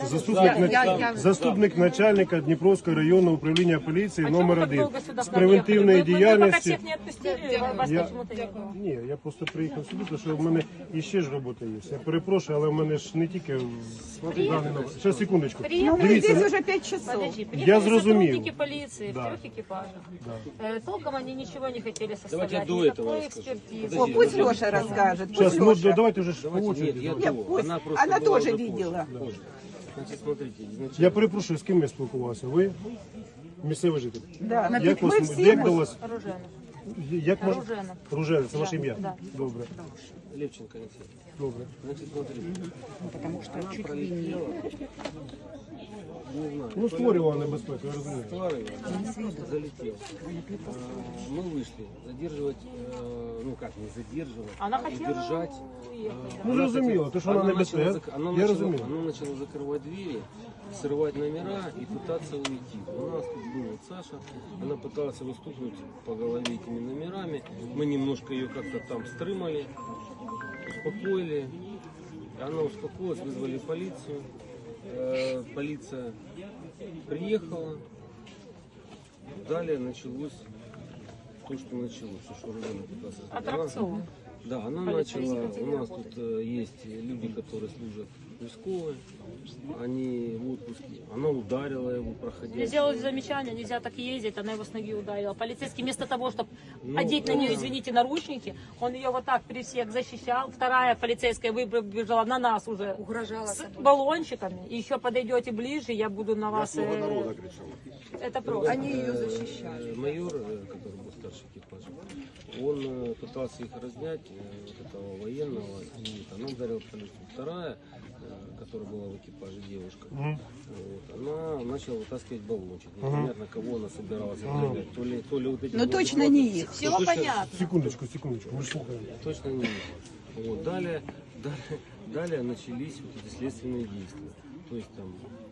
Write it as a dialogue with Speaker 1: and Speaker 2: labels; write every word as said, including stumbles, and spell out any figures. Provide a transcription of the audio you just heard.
Speaker 1: заступник,
Speaker 2: Я- я- я-
Speaker 1: заступник начальника Дніпровського районного управління поліції
Speaker 3: А
Speaker 1: номер
Speaker 3: чому ви так
Speaker 1: один
Speaker 3: довго сюди
Speaker 1: з превентивної
Speaker 3: приїхали? Ви- ви
Speaker 1: діяльності.
Speaker 3: поки всіх не відпустили, вас
Speaker 1: Я,
Speaker 3: почему-то не було.
Speaker 1: ні, я просто приїхав сюди, тому що в мене іще ж робота є. Я перепрошую, але в мене ж не тільки даний номер. Ще секундочку.
Speaker 2: Ну, мы
Speaker 1: Дивіться,
Speaker 2: здесь уже пять часов.
Speaker 3: Подожди,
Speaker 1: Я
Speaker 3: приехали
Speaker 1: зрозумів.
Speaker 3: сотрудники полиции
Speaker 1: Да.
Speaker 3: в трех экипажах. Э, Толком они ничего не хотели составлять,
Speaker 4: Давайте до
Speaker 3: никакой
Speaker 4: этого расскажу.
Speaker 3: экспертизы.
Speaker 2: О, пусть Леша расскажет.
Speaker 1: Сейчас,
Speaker 2: Пусть
Speaker 1: ну
Speaker 2: Леша.
Speaker 1: давайте вже ж по
Speaker 4: Нет,
Speaker 1: очереді.
Speaker 4: я
Speaker 1: давайте.
Speaker 4: до.
Speaker 2: пусть.
Speaker 4: Она просто
Speaker 2: Она
Speaker 4: была
Speaker 2: тоже
Speaker 4: уже
Speaker 2: видела.
Speaker 4: позже, позже. Значит, смотрите, изначально...
Speaker 1: Я перепрошую, з ким я спілкувався? Ви? Місцевий житель?
Speaker 2: Да, на
Speaker 1: Як,
Speaker 2: мы
Speaker 1: вас,
Speaker 2: все
Speaker 1: як
Speaker 2: мы-
Speaker 1: до вас?
Speaker 3: Оружейно.
Speaker 1: Як мож...
Speaker 3: Ружена.
Speaker 1: Ружена, це ваше
Speaker 3: Да,
Speaker 1: ім'я?
Speaker 3: да.
Speaker 1: Добре,
Speaker 4: Левченко Алексей.
Speaker 1: добре.
Speaker 4: Значит, смотрите.
Speaker 2: Потому что
Speaker 4: Она
Speaker 2: чуть ли
Speaker 4: пролетела. Не знаю.
Speaker 1: Ну, створювала небезпеку, я розумію.
Speaker 4: Тварь залетел. А, Мы вышли задерживать, э, ну как, не задерживать,
Speaker 3: Она
Speaker 4: а
Speaker 3: хотела
Speaker 4: держать.
Speaker 3: уехать.
Speaker 1: Ну, зрозуміло, то, що вона
Speaker 4: Она
Speaker 1: небезпека.
Speaker 4: начала,
Speaker 1: Я,
Speaker 4: зак- она
Speaker 1: я
Speaker 4: начала,
Speaker 1: розумію.
Speaker 4: она начала закрывать двери, срывать номера и пытаться уйти. У нас тут был вот Саша, она пыталась его стукнуть по голове этими номерами. Мы немножко ее как-то там стрымали, успокоили. Она успокоилась, вызвали полицию. Э, Полиция приехала. Далее началось то, что началось. То, что Рузана пыталась рассказать.
Speaker 3: Аттракцион.
Speaker 4: Да, она начала, у нас тут э, есть люди, которые служат войсковые, они в отпуске, она ударила его, проходя.
Speaker 3: Мне сделали замечание, нельзя так ездить, она его с ноги ударила. Полицейский вместо того, чтобы
Speaker 4: Ну,
Speaker 3: одеть на нее, извините, наручники, он ее вот так при всех защищал. Вторая полицейская выбежала на нас уже с баллончиками. И еще подойдете ближе, я буду на вас... э, Это просто.
Speaker 2: они ее защищали.
Speaker 4: Э, Майор, э, который был старший экипажа, он э, пытался их разнять, э, вот этого военного, и она ударила полицию. Вторая, э, которая была в экипаже, девушка, вот, она начала вытаскивать баллончик. Непонятно, кого она собиралась отравлять. То ли, то ли вот эти
Speaker 2: Ну
Speaker 4: вот
Speaker 2: точно
Speaker 4: животные.
Speaker 2: не их.
Speaker 3: Все
Speaker 4: Ну, точно-
Speaker 3: понятно.
Speaker 1: Секундочку, секундочку, ми ж слухаємо.
Speaker 4: Точно не их. Вот. Далее, далее, далее начались вот эти следственные действия. То есть там